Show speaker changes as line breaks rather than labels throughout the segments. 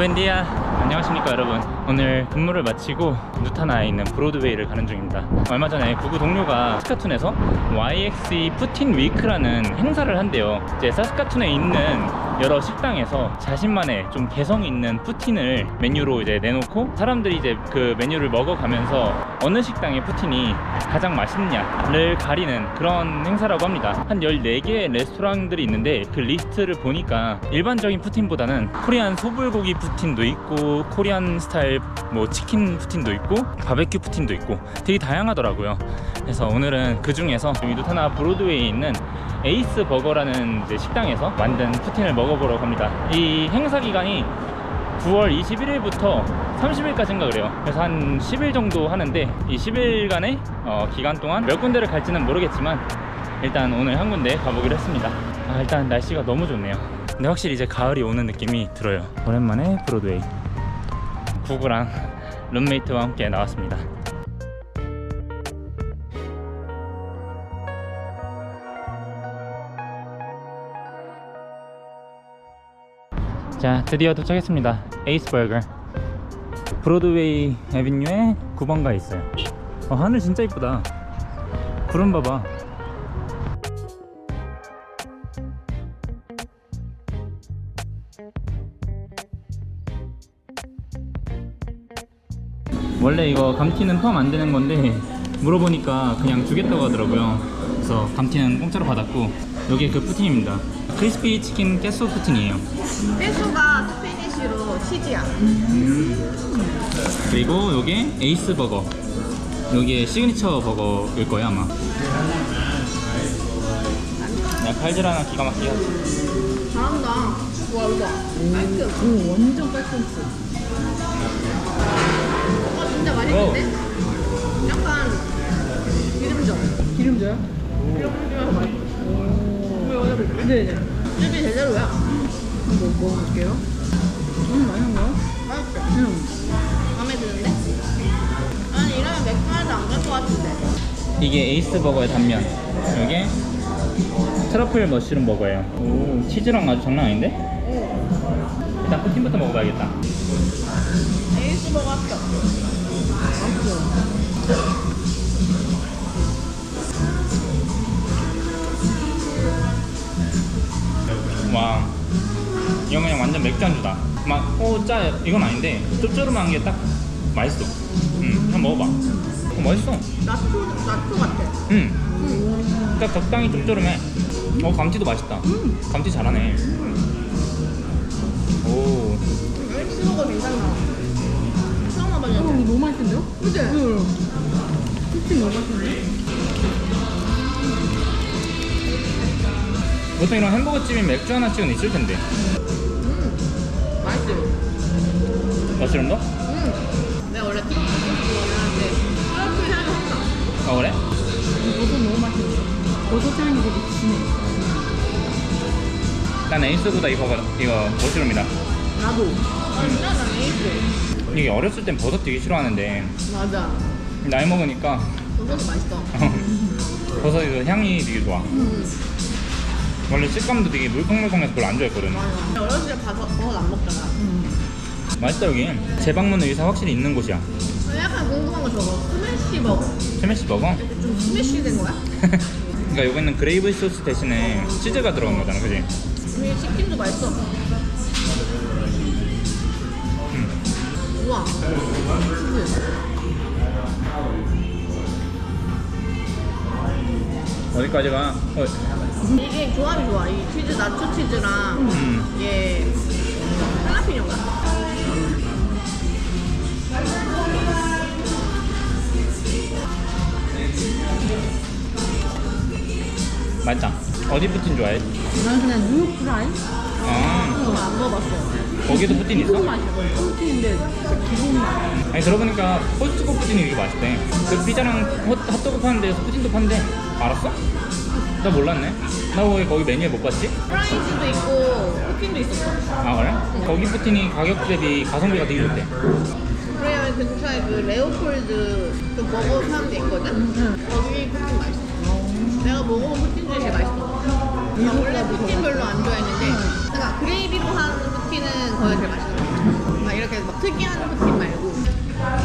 부엔디아. 안녕하십니까 여러분. 오늘 근무를 마치고 누타나에 있는 브로드웨이를 가는 중입니다. 얼마 전에 구구 동료가 사스카툰에서 YXE 푸틴 위크라는 행사를 한대요. 이제 사스카툰에 있는 여러 식당에서 자신만의 좀 개성 있는 푸틴을 메뉴로 이제 내놓고 사람들이 이제 그 메뉴를 먹어가면서 어느 식당의 푸틴이 가장 맛있느냐를 가리는 그런 행사라고 합니다. 한 14개의 레스토랑들이 있는데 그 리스트를 보니까 일반적인 푸틴보다는 코리안 소불고기 푸틴도 있고 코리안 스타일 뭐 치킨 푸틴도 있고 바베큐 푸틴도 있고 되게 다양하더라고요. 그래서 오늘은 그 중에서 누타나 브로드웨이에 있는 에이스 버거라는 이제 식당에서 만든 푸틴을 먹어보러 갑니다. 이 행사 기간이 9월 21일부터 30일까지인가 그래요. 그래서 한 10일 정도 하는데 이 10일간의 기간 동안 몇 군데를 갈지는 모르겠지만 일단 오늘 한 군데 가보기로 했습니다. 일단 날씨가 너무 좋네요. 근데 확실히 이제 가을이 오는 느낌이 들어요. 오랜만에 브로드웨이. 구구랑 룸메이트와 함께 나왔습니다. 자, 드디어 도착했습니다. 에이스 버거. 브로드웨이 애비뉴에 9번가에 있어요. 하늘 진짜 이쁘다. 구름 봐봐. 원래 이거 감튀는 포함 안 되는 건데 물어보니까 그냥 주겠다고 하더라고요. 그래서 감튀는 공짜로 받았고 여기 그 푸틴입니다. 크리스피 치킨 깨소 푸틴이에요.
깨소가 스페니쉬로 치즈야.
그리고 요게 에이스 버거. 요게 시그니처 버거일 거예요 아마. 그냥 칼질 하나 기가 막히게 하지.
잘한다. 와 이거 깔끔.
오, 완전 깔끔스.
진짜 맛있는데? 약간 기름져.
기름져요?
기름져서 맛있어.
네네.
집이 제대로야.
한번 먹어볼게요. 맛있는가요?
맛있어. 마음에 드는데? 아니 이러면 맥주한테 안 갈 것 같은데.
이게 에이스 버거의 단면. 요게 트러플 머쉬룸 버거예요. 오, 치즈랑 아주 장난 아닌데? 일단 푸틴부터 먹어봐야겠다.
에이스 버거 합격.
와, 이건 그냥 완전 맥주 안주다. 막 짜 이건 아닌데 짭조름한 게 딱 맛있어. 한번 먹어봐. 맛있어.
나초 같아.
딱 적당히 짭조름해. 감튀도 맛있다. 감튀 잘하네. 오.
에이스 버거 괜찮다. 처음 와봤는데.
이거 너무 맛있는데요?
그치?
푸틴 너무 맛있는데?
보통 이런 햄버거 집인 맥주 하나씩은 있을 텐데.
맛있어.
머쉬룸도?
내가 원래 트러플 소스 좋아하는데 트러플 향이 확 나.
그래?
버섯 너무 맛있는데? 버섯 향이 되게 진해.
난 에이스보다 이거 머쉬룸이다.
나도. 진짜 난 에이스.
이게 어렸을 땐 버섯 되게 싫어하는데
맞아.
나이 먹으니까
버섯도 맛있어.
버섯 이거 향이 되게 좋아. 원래 식감도 되게 물컹물컹해서 별로 안 좋아했거든.
맞아. 어렸을 때 버섯 안 먹잖아.
맛있다 여기. 재방문 의사 확실히 있는 곳이야.
약간 궁금한 거 저거 스매시 버거.
스매시 버거?
좀 스매시 된 거야?
그러니까 여기는 그레이브 소스 대신에 치즈가 들어간 거잖아, 그지?
이게 치킨도 맛있어. 우와.
어디까지가?
이게 조합이 좋아. 이 치즈 나초 치즈랑 이게 할라피뇨가.
맛있다. 어디 푸틴 좋아해?
난 그냥 뉴욕 프라이?
아,
안 먹어봤어.
거기도 푸틴 있어?
기본 맛이야. 푸틴인데 진짜 기본 맛.
아니 들어보니까 코스트코 푸틴이 되게 맛있대. 그 피자랑 핫도그 파는 데에서 푸틴도 판대. 알았어? 나 몰랐네. 나 왜 거기 메뉴에 못 봤지?
프라이즈도 있고 푸틴도 있었어.
아 그래? 거기 푸틴이 가격 대비 가성비가 되게 좋대.
그래야 그 근처에 그 레오폴드 그 버거 파는 데 있거든? 거기 푸틴 맛있어. 내가 먹어본 푸틴 중에 제일 맛있어. 나 원래 푸틴 별로 안 좋아했는데 그러니까 그레이비로 하는 푸틴은 거기 제일 맛있어.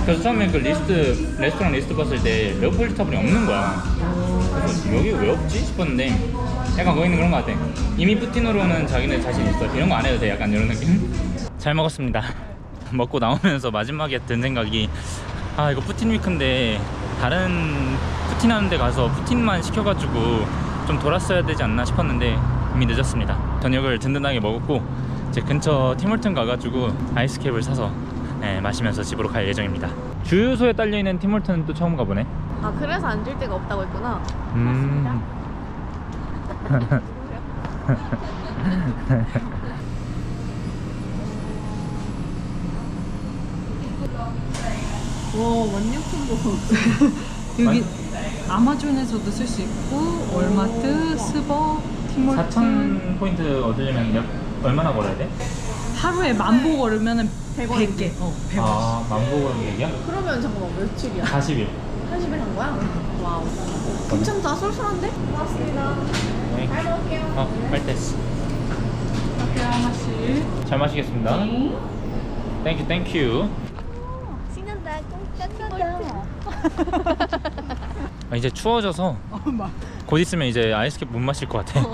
그래서 처음에 그 레스토랑 리스트 봤을 때 레오폴드 타블이 없는 거야. 그래서 여기 왜 없지 싶었는데 약간 거기는 그런 거 같아. 이미 푸틴으로는 자기네 자신 있어. 이런 거 안 해도 돼. 약간 이런 느낌. 잘 먹었습니다. 먹고 나오면서 마지막에 든 생각이, 아 이거 푸틴 위크인데 다른 푸틴 하는 데 가서 푸틴만 시켜가지고 좀 돌았어야 되지 않나 싶었는데 이미 늦었습니다. 저녁을 든든하게 먹었고 이제 근처 티몰튼 가가지고 아이스캡을 사서 마시면서 집으로 갈 예정입니다. 주유소에 딸려있는 티몰튼은 또 처음 가보네.
아 그래서 앉을 데가 없다고 했구나. 와 완료품도
여기 아마존에서도 쓸 수 있고 월마트, 스벅, 티몰튼
4,000 포인트 얻으려면 얼마나 걸어야 돼?
하루에 10,000보 걸으면 100개 100원
아, 만보 걸은 얘기야?
그러면 잠깐만 며칠이야?
40일.
80일 한 거야? 와우 괜찮다 쏠쏠한데? 고맙습니다.
네.
잘 먹을게요.
빨대스.
커피 하나씩
잘 마시겠습니다. 땡큐 땡큐.
신난다 꽁짠하다.
이제 추워져서 곧 있으면 이제 아이스캡 못 마실 것 같아.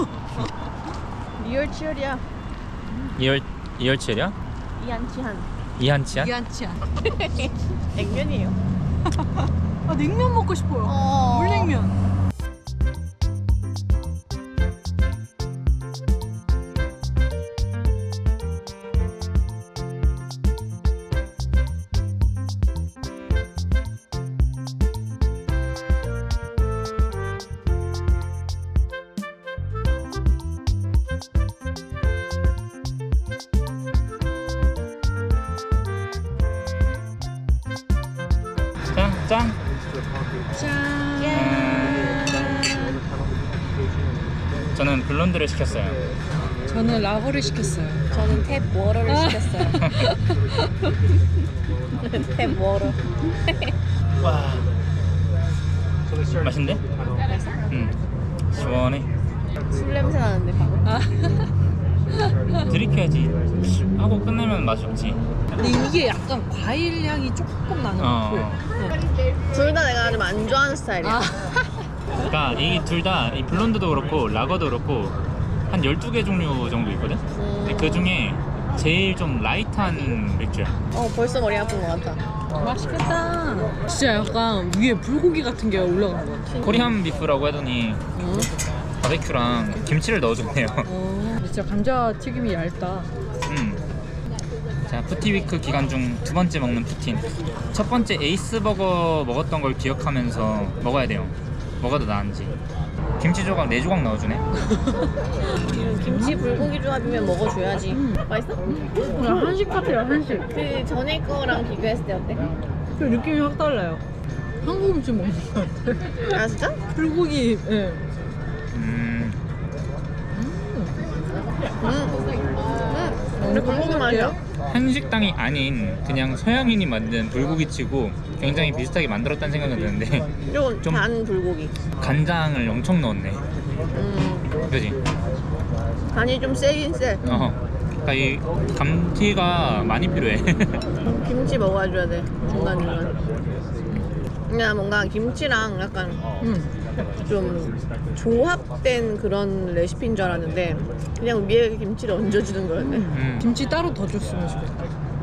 리얼 치열이야.
이열치열이야?
이한치한.
이한치야?
이한치 않아.
냉면이에요.
아 냉면 먹고 싶어요.
어.
물냉면.
짠!
짠.
저는 블론드를 시켰어요.
저는 라거를 시켰어요.
저는 탭 워러를 시켰어요. 탭 워러.
와. 맛있는데? 응. 시원해.
술 냄새 나는데 방금.
들이켜야지. 하고 끝내면 맛이 없지.
근데 이게 약간 과일 향이 조금 나는 것 같고.
둘 다 내가 좀 안 좋아하는 스타일이야.
그러니까 이 둘 다 이 블론드도 그렇고 라거도 그렇고 한 12개 종류 정도 있거든? 근데 그 중에 제일 좀 라이트한 맥주야.
벌써 머리 아픈 것 같다.
맛있겠다. 진짜 약간 위에 불고기 같은 게 올라간 것 같아.
코리안 비프라고 하더니 바베큐랑 김치를 넣어줬네요.
진짜 감자 튀김이 얇다.
자, 푸티위크 기간 중 두 번째 먹는 푸틴. 첫 번째 에이스 버거 먹었던 걸 기억하면서 먹어야 돼요. 뭐가 더 나은지. 김치 조각 4조각 넣어주네.
김치 불고기 조합이면 먹어줘야지. 맛있어?
한식 같아요, 한식.
그 전에 거랑 비교했을 때 어때?
그 느낌이 확 달라요. 한국 음식 먹는 것 같아.
아 진짜?
불고기, 예.
근데 불고기 맛이야.
한식당이 아닌 그냥 서양인이 만든 불고기치고 굉장히 비슷하게 만들었다는 생각은 드는데
좀
좀-
단 불고기.
간장을 엄청 넣었네. 그지?
간이 좀 세긴 세.
그러니까 이 감튀가 많이 필요해.
김치 먹어줘야 돼. 중간중간. 그냥 뭔가 김치랑 약간 좀 조합된 그런 레시피인 줄 알았는데 그냥 위에 김치를 얹어주는 거였네.
김치 따로 더 줬으면 좋겠다.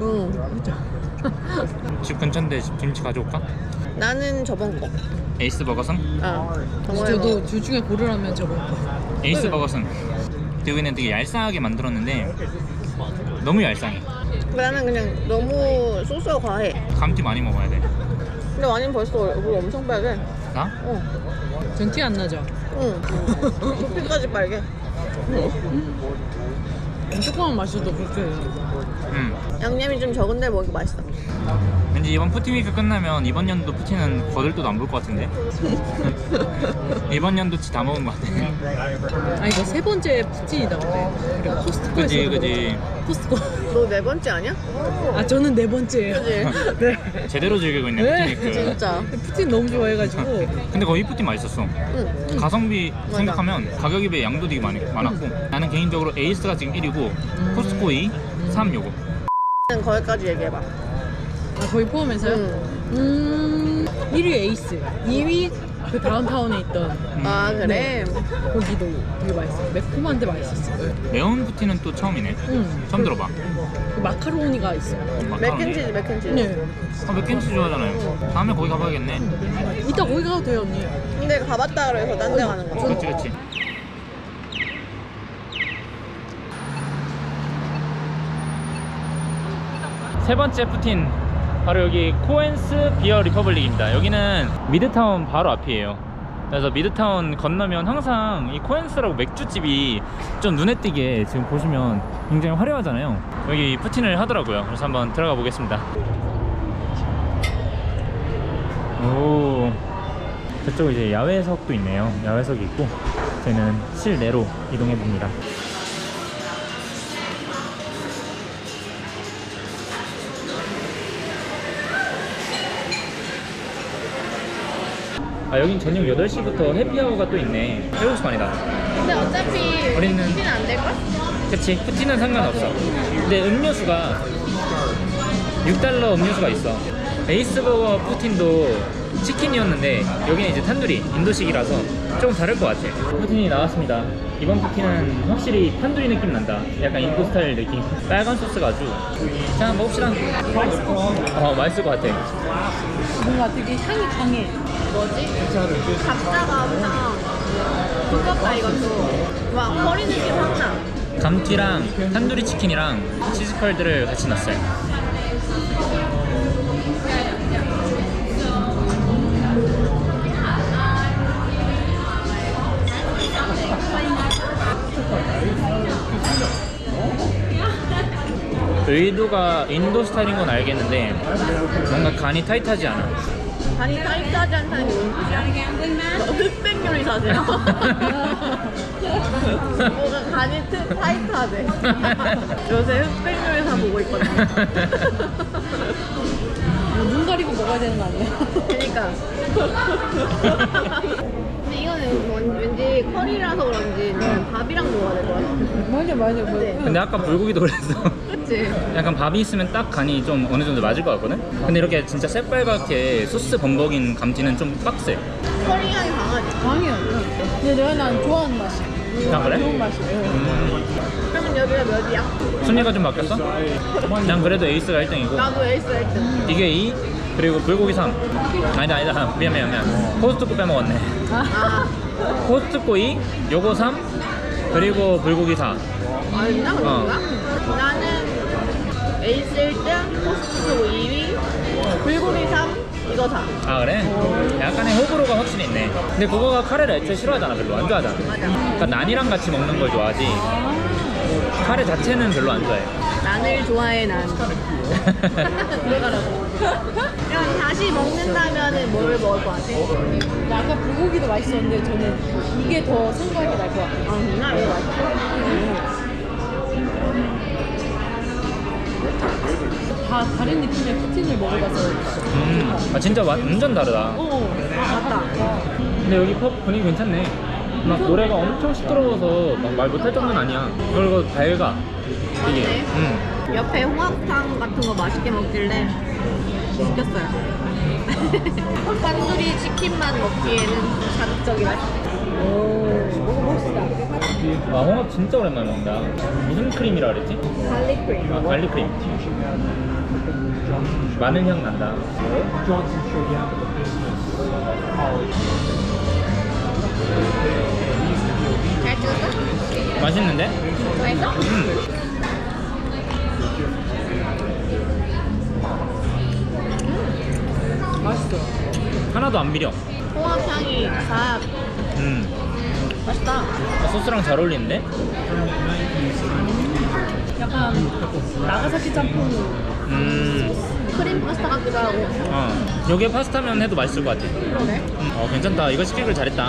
집 근처인데 김치 가져올까?
나는 저번 거.
에이스 버거승?
저도 둘 중에 고르라면 저번 거.
에이스 버거승. 여기는 되게 얄쌍하게 만들었는데 너무 얄쌍해.
나는 그냥 너무 소스가 과해.
감튀 많이 먹어야 돼.
근데 완전 벌써 얼굴 엄청 빨개.
나?
전 티 안 나죠?
응. 코피까지 빨개.
조금만 마셔도 그렇게 해요.
양념이 좀 적은데 먹기 맛있어.
왠지 이번 푸틴위크 끝나면 이번 연도 푸틴은 거들떠도 안 볼 것 같은데. 이번 연도치 다 먹은 것 같아.
아 이거 세 번째 푸틴이다 근데. 우리가 코스트코에서
그지.
코스트코.
너 네 번째 아니야?
아 저는 네 번째예요.
그지?
네.
제대로 즐기고 있네
네.
푸틴위크.
진짜.
푸틴 너무 좋아해가지고.
근데 거기 푸틴 맛있었어.
응.
가성비 생각하면 가격이 배 양도 되게 많았고 나는 개인적으로 에이스가 지금 1위고 코스트코 2, 3 요거.
거기까지 얘기해봐.
아 거의 포함해서요? 1위 에이스, 2위 그 다운타운에 있던
아 그래?
네. 거기도 되게 맛있어요. 매콤한데 맛있었어요.
매운 푸틴은 또 처음이네. 처음 들어봐.
그 마카로니가 있어요.
맥앤치즈 맥앤치즈.
네.
맥앤치즈 좋아하잖아요. 다음에 거기 가봐야겠네.
이따 거기 가도 돼요, 언니.
근데 가봤다 그래서 딴 데 가는 거.
그치 그치. 세 번째 푸틴 바로 여기 코엔스 비어 리퍼블릭입니다. 여기는 미드타운 바로 앞이에요. 그래서 미드타운 건너면 항상 이 코엔스라고 맥주집이 좀 눈에 띄게 지금 보시면 굉장히 화려하잖아요. 여기 푸틴을 하더라고요. 그래서 한번 들어가 보겠습니다. 오, 저쪽 이제 야외석도 있네요. 야외석이 있고 저희는 실내로 이동해 봅니다. 아, 여긴 저녁 8시부터 해피아워가 또 있네. 7시 반이다.
근데 어차피
우리는-
푸틴은 안 될걸?
그치, 푸틴은 상관없어. 근데 음료수가 $6 음료수가 있어. 에이스버거 푸틴도 치킨이었는데 여기는 이제 탄두리, 인도식이라서 조금 다를 것 같아. 푸틴이 나왔습니다. 이번 푸틴은 확실히 탄두리 느낌 난다. 약간 인도 스타일 느낌. 빨간 소스가 아주. 자, 먹읍시다. 맛있을 것 같아.
뭔가 되게 향이 강해.
뭐지? 감자가 엄청 두껍다 이것도. 와 커리 느낌 확 나.
감튀랑 탄두리 치킨이랑 치즈 컬드를 같이 넣었어요. 의도가 인도 스타일인 건 알겠는데 뭔가 간이 타이트하지 않아.
간이 타이트하지 않다는 게 무슨 뜻이야? 흑백 요리사세요? 뭐가 간이 타이트하대. 요새 흑백 요리사 보고 있거든요.
눈 가리고 먹어야 되는 거 아니에요?
그니까. 근데 이거는 왠지 커리라서 그런지 밥이랑 먹어야 될 것 같아.
맞아.
그치?
근데 아까 불고기도 그랬어.
그치?
약간 밥이 있으면 딱 간이 좀 어느 정도 맞을 것 같거든? 근데 이렇게 진짜 새빨갛게 소스 범벅인 감튀는 좀 빡세.
커리 향이 강하지?
강해요. 근데 난 좋아하는 맛이야.
아, 그래?
좋은 맛이에요.
그러면 여기가 몇이야?
순위가 좀 바뀌었어? 난 그래도 에이스가 1등이고
나도 에이스 1등.
이게 2, 그리고 불고기 3. 아니다. 미안. 코스트코 빼먹었네.
아,
코스트코 2, 요거 3, 그리고 불고기 4.
아니나 그런가? 나는 에이스 1등, 코스트코 2위, 불고기 3, 이거 4.
아, 그래? 약간의 호불호가 확실히 있네. 근데 그거가 카레를 애초에 싫어하잖아. 별로 안 좋아하잖아.
맞아.
그러니까 난이랑 같이 먹는 걸 좋아하지 카레 자체는 별로 안 좋아해.
난을 좋아해 난. 들어가라고. 그럼 다시 먹는다면은 뭘 먹을 것 같아?
아까 불고기도 맛있었는데 저는 이게 더 생각이 날 것 같아요.
아, 누나 이거 맛있어.
다 다른 느낌의 푸틴을 먹어봐서.
아, 진짜 완전 다르다.
맞다.
근데 여기 펍 분위기 괜찮네. 막 노래가 엄청 시끄러워서 막 말 못할 정도는 아니야. 그리고 밝아 이게.
옆에 홍합탕 같은 거 맛있게 먹길래 시켰어요. 탄두리 치킨만 먹기에는 자극적이다.
와, 홍합 진짜 오랜만에 먹는다. 무슨 크림이라 그랬지?
갈릭 크림.
아, 갈릭 크림. 마늘 향 난다.
잘 찍었어?
맛있는데?
맛있어?
맛있어.
하나도 안 비려.
홍합향이 싹 맛있다.
아, 소스랑 잘 어울리는데?
약간 나가사키 짬뽕.
크림 파스타 같기도 하고.
여기에 파스타면 해도 맛있을 것 같아.
그러네.
괜찮다. 이거 시키길 잘했다.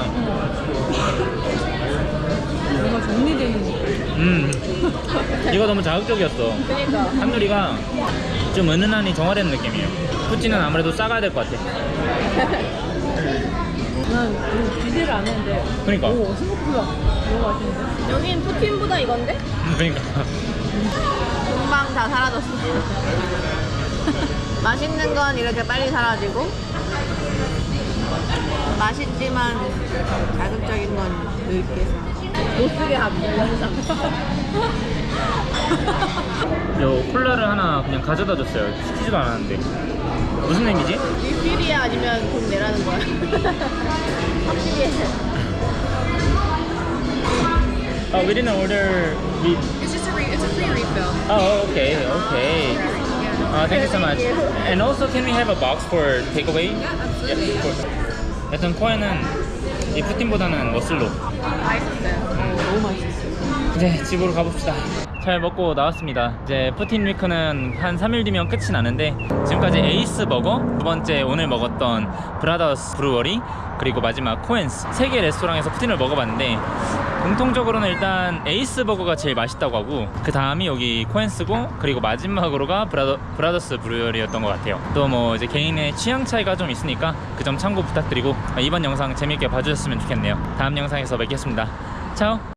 뭔가 정리되는 느낌.
이거 너무 자극적이었어.
그니까.
탄두리가 좀 은은하니 정화된 느낌이에요. 푸틴은 아무래도 싸가야 될 것 같아.
난 이거 기대를 안 했는데.
그러니까.
오, 생각보다 너무 맛있는데?
여긴 푸틴보다 이건데?
그러니까.
금방 다 사라졌어. 맛있는 건 이렇게 빨리 사라지고 맛있지만 자극적인 건 늙게 못 쓰게 하고 영상.
요 콜라를 하나 그냥 가져다 줬어요. 시키지도 않았는데. 무슨 의미지?
리필이야 아니면 돈 내라는 거야? 확실히 해.
We didn't order.
It's just it's a free refill.
Oh, okay, okay. Thank you so much.
Thank you.
And also, can we have a box for takeaway?
Yeah, absolutely.
Of course. 여튼 코에는 이 푸틴보다는 머슬로.
맛있었어요. 너무 맛있었어요.
이제 집으로 가봅시다. 잘 먹고 나왔습니다. 이제 푸틴 위크는 한 3일 뒤면 끝이 나는데 지금까지 에이스 버거, 두 번째 오늘 먹었던 브라더스 브루어리, 그리고 마지막 코엔스 3개 레스토랑에서 푸틴을 먹어봤는데 공통적으로는 일단 에이스 버거가 제일 맛있다고 하고 그 다음이 여기 코엔스고 그리고 마지막으로가 브라더스 브루어리였던 것 같아요. 또 뭐 이제 개인의 취향 차이가 좀 있으니까 그 점 참고 부탁드리고 이번 영상 재밌게 봐주셨으면 좋겠네요. 다음 영상에서 뵙겠습니다. 차오.